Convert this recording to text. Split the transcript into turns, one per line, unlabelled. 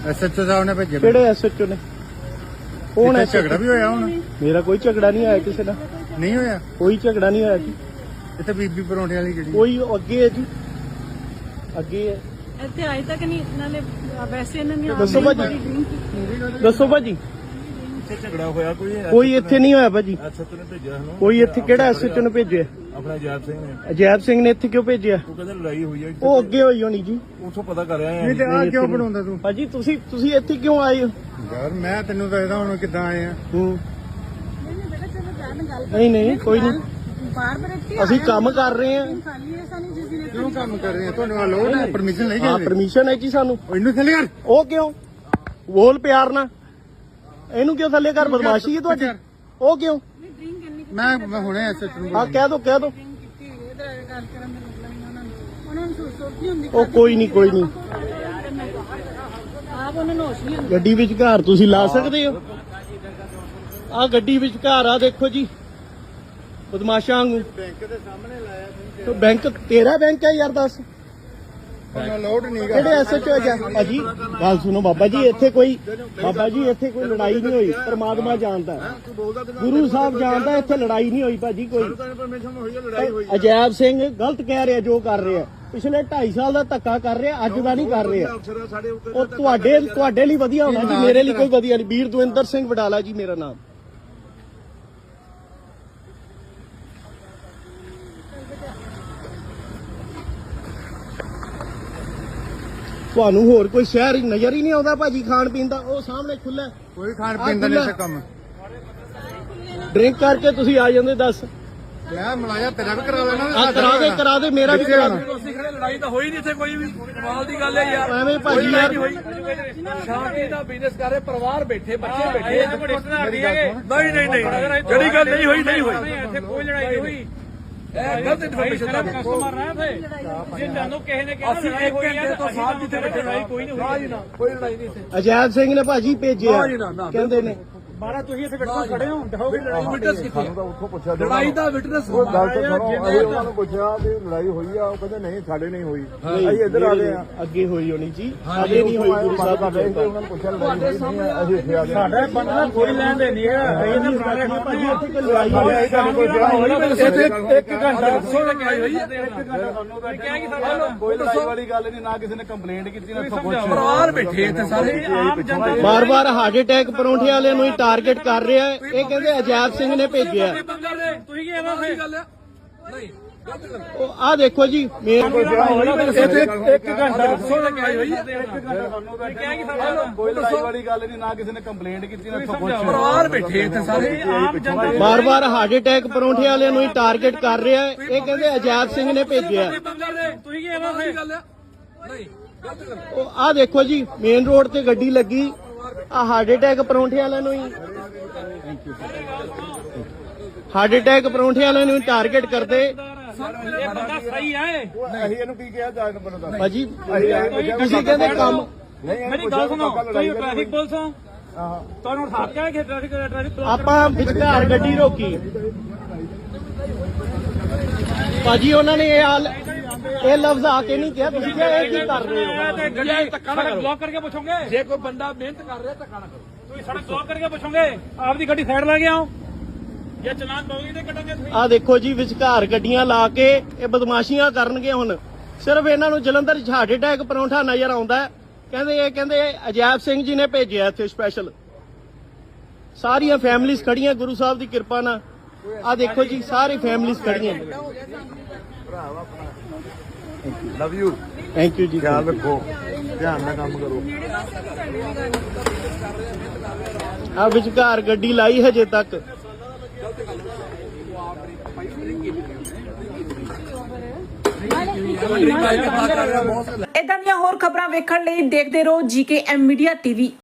SHO ਸਾਹਿਬ ਨੇ ਭੇਜੇ।
ਕਿਹੜੇ ਐਸਐਚਓ ਨੇ? ਕੌਣ ਹੈ?
ਝਗੜਾ ਵੀ ਹੋਇਆ ਹੁਣ?
ਮੇਰਾ ਕੋਈ ਝਗੜਾ ਨਹੀਂ ਆਇਆ ਕਿਸੇ ਨਾਲ।
ਨਹੀਂ ਹੋਇਆ
ਕੋਈ ਝਗੜਾ ਨਹੀਂ ਹੋਇਆ ਜੀ।
ਇੱਥੇ ਬੀਬੀ ਪਰੌਂਠੇ ਵਾਲੀ ਜਿਹੜੀ
ਕੋਈ ਅੱਗੇ ਹੈ ਜੀ, ਅੱਗੇ ਹੈ।
ਇੱਥੇ ਅਜੇ ਤੱਕ ਨਹੀਂ ਨਾਲੇ ਵੈਸੇ ਇਹਨਾਂ ਨੇ
ਦੱਸੋ ਭਾਜੀ, ਦੱਸੋ ਭਾਜੀ।
ਇੱਥੇ ਝਗੜਾ ਹੋਇਆ
ਕੋਈ ਇੱਥੇ ਨਹੀਂ ਹੋਇਆ ਭਾਜੀ।
ਐਸਐਚਓ ਨੇ ਭੇਜਿਆ ਸਾਨੂੰ।
ਕੋਈ ਇੱਥੇ ਕਿਹੜਾ ਐਸਐਚਓ ਨੇ ਭੇਜਿਆ?
ਆਪਣਾ ਜੈਬ ਸਿੰਘ ਨੇ।
ਅਜੈਬ ਸਿੰਘ ਨੇ ਇੱਥੇ ਕਿਉਂ ਭੇਜਿਆ?
ਉਹ ਕਹਿੰਦੇ ਲੜਾਈ ਹੋਈ ਹੈ
ਉਹ ਅੱਗੇ ਹੋਈ ਹੋਣੀ ਜੀ।
ਉੱਥੋਂ ਪਤਾ ਕਰ ਰਿਹਾ
ਨਹੀਂ ਤੇ ਆਹ ਕਿਉਂ ਬਣਾਉਂਦਾ ਤੂੰ? ਭਾਜੀ ਤੁਸੀਂ ਇੱਥੇ ਕਿਉਂ ਆਏ ਹੋ?
ਯਾਰ ਮੈਂ ਤੈਨੂੰ ਦੱਸਦਾ ਹੁਣ ਕਿੱਦਾਂ ਆਏ ਆ।
ਨਹੀਂ ਕੋਈ ਨਹੀਂ, ਅਸੀਂ ਕੰਮ ਕਰ ਰਹੇ ਹਾਂ।
ਕਿਉਂ ਕੰਮ ਕਰ ਰਹੇ ਆ? ਤੁਹਾਨੂੰ ਅਲਾਉਡ ਹੈ? ਪਰਮਿਸ਼ਨ ਲਈ
ਹਾਂ
ਗਏ?
ਪਰਮਿਸ਼ਨ ਹੈ ਜੀ ਸਾਨੂੰ।
ਇਹਨੂੰ ਥੱਲੇ ਕਰ।
ਉਹ ਕਿਉਂ? ਬੋਲ ਪਿਆਰ ਨਾਲ। ਇਹਨੂੰ ਕਿਉਂ ਥੱਲੇ ਕਰ? ਬਦਮਾਸ਼ੀ ਹੈ ਤੁਹਾਡੀ। ਉਹ ਕਿਉਂ?
ਮੈਂ ਹੁਣੇ ਐਸਐਚਓ ਨੂੰ
ਹਾਂ ਕਹਿ ਦੋ ਉਹ ਕੋਈ ਨਹੀਂ
ਆਪ ਉਹਨਾਂ ਨੂੰ ਹੋਸ਼ ਨਹੀਂ ਹੁੰਦੀ।
ਗੱਡੀ ਵਿੱਚ ਘਰ ਤੁਸੀਂ ਲਾ ਸਕਦੇ ਹੋ? ਆ ਗੱਡੀ ਵਿੱਚ ਘਰ ਆ ਦੇਖੋ ਜੀ, ਬਦਮਾਸ਼ਾਂ ਵਾਂਗੂ।
ਬੈਂਕ ਦੇ ਸਾਹਮਣੇ ਲਾਇਆ ਸੀ।
ਬੈਂਕ ਤੇਰਾ ਬੈਂਕ ਹੈ ਯਾਰ, ਦੱਸ
ਉਹਨਾਂ ਅਲਾਉਡ ਨਹੀਂ
ਕਿਹੜੇ ਐਸਐਚਓ ਹੈ? ਭਾਜੀ ਗੱਲ ਸੁਣੋ ਬਾਬਾ ਜੀ, ਇੱਥੇ ਕੋਈ ਲੜਾਈ ਨਹੀਂ ਹੋਈ। ਪਰਮਾਤਮਾ ਜਾਣਦਾ, ਗੁਰੂ ਸਾਹਿਬ ਜਾਣਦਾ, ਇੱਥੇ ਲੜਾਈ ਨਹੀਂ ਹੋਈ ਭਾਜੀ ਕੋਈ।
ਪਰਮਿਸ਼ਨ ਹੋਈ ਹੈ, ਲੜਾਈ ਹੋਈ।
ਅਜੈਬ ਸਿੰਘ ਗਲਤ ਕਹਿ ਰਿਹਾ ਜੋ ਕਰ ਰਿਹਾ। ਪਿਛਲੇ 2.5 ਸਾਲ ਦਾ ਧੱਕਾ ਕਰ ਰਿਹਾ, ਅੱਜ ਦਾ ਨਹੀਂ ਕਰ ਰਿਹਾ। ਉਹ ਤੁਹਾਡੇ ਲਈ ਵਧੀਆ ਹੋਣਾ ਜੀ, ਮੇਰੇ ਲਈ ਕੋਈ ਵਧੀਆ ਨਹੀਂ। ਵੀਰ ਦਵਿੰਦਰ ਸਿੰਘ ਵਡਾਲਾ ਜੀ ਮੇਰਾ ਨਾਮ। ਤੁਹਾਨੂੰ ਹੋਰ ਕੋਈ ਸ਼ਹਿਰ ਨਜ਼ਰ ਹੀ ਨਹੀਂ ਆਉਂਦਾ ਭਾਜੀ ਖਾਣ ਪੀਣ ਦਾ? ਉਹ ਸਾਹਮਣੇ ਖੁੱਲਾ,
ਕੋਈ ਖਾਣ ਪੀਣ ਦਾ ਨਹੀਂ ਕੰਮ।
ਡਰਿੰਕ ਕਰਕੇ ਤੁਸੀਂ ਆ ਜਾਂਦੇ। ਦੱਸ
ਮੈਂ ਮਲਾਇਆ ਤੇਰਾ ਵੀ ਕਰਾ ਲੈਣਾ।
ਆ ਕਰਾ ਦੇ ਮੇਰਾ ਵੀ ਕਰਾ ਦੇ।
ਲੜਾਈ ਤਾਂ ਹੋਈ ਨਹੀਂ ਇੱਥੇ ਕੋਈ ਵੀ। ਕਮਾਲ ਦੀ ਗੱਲ ਹੈ ਯਾਰ।
ਐਵੇਂ ਭਾਜੀ ਯਾਰ
ਸ਼ਾਂਤੀ ਦਾ ਬਿਜ਼ਨਸ ਕਰ ਰਹੇ, ਪਰਿਵਾਰ ਬੈਠੇ, ਬੱਚੇ ਬੈਠੇ। ਨਹੀਂ ਜਿਹੜੀ ਗੱਲ ਨਹੀਂ ਹੋਈ ਇੱਥੇ ਕੋਈ ਲੜਾਈ ਨਹੀਂ ਹੋਈ। ਇਹ ਗਲਤ ਇਨਫੋਰਮੇਸ਼ਨ ਦਾ ਕਸਟਮਰ ਨਾ ਥੇ ਜਿੰਨਾਂ ਨੂੰ ਕਿਸੇ ਨੇ ਕਿਹਾ ਅਸੀਂ 1 ਘੰਟੇ ਤੋਂ ਬਾਅਦ ਜਿੱਥੇ ਬੈਠੇ ਲੜਾਈ ਕੋਈ ਨਹੀਂ ਹੋਈ ਨਾ, ਕੋਈ ਲੜਾਈ ਨਹੀਂ ਇੱਥੇ।
ਅਜੈਬ ਸਿੰਘ ਨੇ ਭਾਜੀ ਭੇਜਿਆ ਕਹਿੰਦੇ ਨੇ।
ਬਾਰਾ ਤੁਸੀਂ ਇੱਥੇ ਵਿਟਨੈਸ ਖੜੇ ਹੋ, ਦਿਖਾਓਗੇ ਲੜਾਈ ਵਿਟਨੈਸ ਕਿੱਥੇ?
ਉੱਥੋਂ ਪੁੱਛਿਆ
ਲੜਾਈ ਦਾ ਵਿਟਨੈਸ
ਉਹ ਗੱਲ ਤਾਂ ਸੁਣੋ। ਅਸੀਂ ਉਹਨਾਂ ਨੂੰ ਪੁੱਛਿਆ ਵੀ ਲੜਾਈ ਹੋਈ ਆ, ਉਹ ਕਹਿੰਦੇ ਨਹੀਂ ਸਾਡੇ ਨਹੀਂ ਹੋਈ। ਅਸੀਂ ਇੱਧਰ ਆ ਗਏ ਆ।
ਅੱਗੇ ਹੋਈ ਹੋਣੀ ਜੀ, ਅੱਗੇ ਨਹੀਂ ਹੋਈ। ਗੁਰੂ ਸਾਹਿਬ ਦਾ
ਉਹਨਾਂ ਨੂੰ ਪੁੱਛਿਆ ਲੜਾਈ ਹੋਈ ਨਹੀਂ ਆ, ਅਸੀਂ ਇੱਥੇ ਆ ਗਏ।
ਸਾਡਾ ਬੰਦਾ ਕੋਈ ਲੈਣ ਦੇ ਨਹੀਂ ਹੈ।
ਭਾਜੀ ਇੱਥੇ ਕੋਈ ਲੜਾਈ ਹੋਈ
ਇੱਥੇ 1 ਘੰਟਾ ਦੱਸੋ ਲੜਾਈ ਹੋਈ ਹੈ। 1 ਘੰਟਾ ਤੁਹਾਨੂੰ ਤਾਂ ਕਿਹਾ ਕਿ ਸਾਡਾ
ਕੋਈ ਲੜਾਈ ਵਾਲੀ ਗੱਲ ਨਹੀਂ, ਨਾ ਕਿਸੇ ਨੇ ਕੰਪਲੇਂਟ ਕੀਤੀ, ਨਾ ਕੁਝ।
ਪਰਿਵਾਰ ਬੈਠੇ ਇੱਥੇ ਸਾਰੇ ਆਮ ਜਨਤਾ।
ਬਾਰ-ਬਾਰ ਹਾਰਟ ਅਟੈਕ ਪਰੌਂਠੇ ਵਾਲਿਆਂ ਨੂੰ ਹੀ ਟਾਰਗੇਟ ਕਰ ਰਿਹਾ। ਇਹ ਕਹਿੰਦੇ ਅਜੈਬ ਸਿੰਘ ਨੇ ਭੇਜਿਆ।
ਤੁਸੀਂ ਕੀ ਇਹਦਾ ਸਹੀ ਗੱਲ ਹੈ? ਨਹੀਂ
ਉਹ ਆ ਦੇਖੋ ਜੀ
ਇੱਥੇ 1 ਘੰਟਾ ਦੱਸੋ ਲੜਾਈ ਹੋਈ ਹੈ। 1 ਘੰਟਾ ਤੁਹਾਨੂੰ ਤਾਂ ਕਿਹਾ ਕਿ ਸਾਡਾ
ਕੋਈ ਲੜਾਈ ਵਾਲੀ ਗੱਲ ਨਹੀਂ, ਨਾ ਕਿਸੇ ਨੇ ਕੰਪਲੇਂਟ ਕੀਤੀ, ਨਾ ਕੁਝ।
ਪਰਿਵਾਰ ਬੈਠੇ ਇੱਥੇ ਸਾਰੇ ਆਮ ਜਨਤਾ।
ਬਾਰ-ਬਾਰ ਹਾਰਟ ਅਟੈਕ ਪਰੌਂਠੇ ਵਾਲਿਆਂ ਨੂੰ ਹੀ ਟਾਰਗੇਟ ਕਰ ਰਿਹਾ। ਇਹ ਕਹਿੰਦੇ ਅਜੈਬ ਸਿੰਘ ਨੇ ਭੇਜਿਆ।
ਤੁਸੀਂ ਕੀ ਇਹਦਾ ਸਹੀ ਗੱਲ ਹੈ? ਨਹੀਂ
ਉਹ ਆ ਦੇਖੋ ਜੀ ਮੇਨ ਰੋਡ ਤੇ ਗੱਡੀ ਲੱਗੀ। ਆ ਹਾਰਟ ਅਟੈਕ ਪਰੌਂਠੇ ਵਾਲਿਆਂ ਨੂੰ ਹੀ ਟਾਰਗੇਟ ਕਰਦੇ।
ਇਹ ਬੰਦਾ ਸਹੀ ਹੈ।
ਅਸੀਂ ਇਹਨੂੰ ਕੀ ਕਿਹਾ ਜਾਣ ਨੂੰ ਪਤਾ
ਭਾਜੀ ਤੁਸੀਂ ਕਹਿੰਦੇ ਕੰਮ।
ਮੇਰੀ ਗੱਲ ਸੁਣੋ, ਤੁਸੀਂ ਟ੍ਰੈਫਿਕ ਪੁਲਿਸ ਹੋ, ਤੁਹਾਨੂੰ ਹੱਥ ਕਿਹਾ ਕਿ ਟ੍ਰੈਫਿਕ
ਆਪਾਂ ਵਿਚਕਾਰ ਗੱਡੀ ਰੋਕੀ। ਭਾਜੀ ਉਹਨਾਂ ਨੇ ਇਹ ਲਫ਼ਜ਼ ਆ ਕੇ ਨਹੀਂ ਕਿਹਾ। ਤੁਸੀਂ ਕਿਹਾ ਇਹ ਕੀ ਕਰ ਰਹੇ ਹੋ?
ਗੱਡੀ ਧੱਕਾ ਨਾ ਕਰੋ। ਬਲੌਕ ਕਰਕੇ ਪੁੱਛੋਗੇ ਜੇ ਕੋਈ ਬੰਦਾ ਮਿਹਨਤ ਕਰ ਰਿਹਾ ਧੱਕਾ ਨਾ ਕਰੋ। ਤੁਸੀਂ ਸੜਕ ਬਲੌਕ ਕਰਕੇ ਪੁੱਛੋਗੇ, ਆਪਦੀ ਗੱਡੀ ਸਾਈਡ ਲਾ ਕੇ ਆਓ। ਜੇ ਚਲਾਨ ਪਾਓਗੇ ਤੇ ਕੱਟਾਂਗੇ ਤੁਸੀਂ।
ਆ ਦੇਖੋ ਜੀ ਵਿਚਕਾਰ ਗੱਡੀਆਂ ਲਾ ਕੇ ਇਹ ਬਦਮਾਸ਼ੀਆਂ ਕਰਨਗੇ। ਹੁਣ ਸਿਰਫ ਇਹਨਾਂ ਨੂੰ ਜਲੰਧਰ ਚ ਹਾਰਟ ਅਟੈਕ ਪਰੌਂਠਾ ਨਜ਼ਰ ਆਉਂਦਾ ਹੈ। ਕਹਿੰਦੇ ਅਜੈਬ ਸਿੰਘ ਜੀ ਨੇ ਭੇਜਿਆ ਇੱਥੇ ਸਪੈਸ਼ਲ। ਸਾਰੀਆਂ ਫੈਮਿਲੀਆਂ ਖੜੀਆਂ ਗੁਰੂ ਸਾਹਿਬ ਦੀ ਕਿਰਪਾ ਨਾਲ। ਆ ਦੇਖੋ ਜੀ ਸਾਰੀ ਫੈਮਿਲੀਆਂ ਖੜੀਆਂ।
Love you.
ਥੈਂਕ ਯੂ ਜੀ।
ਖਿਆਲ ਰੱਖੋ, ਧਿਆਨ ਨਾਲ ਕੰਮ ਕਰੋ।
ਆ ਵਿਚਕਾਰ ਗੱਡੀ ਲਾਈ ਹਜੇ ਤੱਕ।
ਇਦਾਂ ਦੀਆਂ ਹੋਰ ਖਬਰਾਂ ਵੇਖਣ ਲਈ ਦੇਖਦੇ ਰਹੋ ਜੀਕੇ ਐਮ ਮੀਡੀਆ ਟੀਵੀ।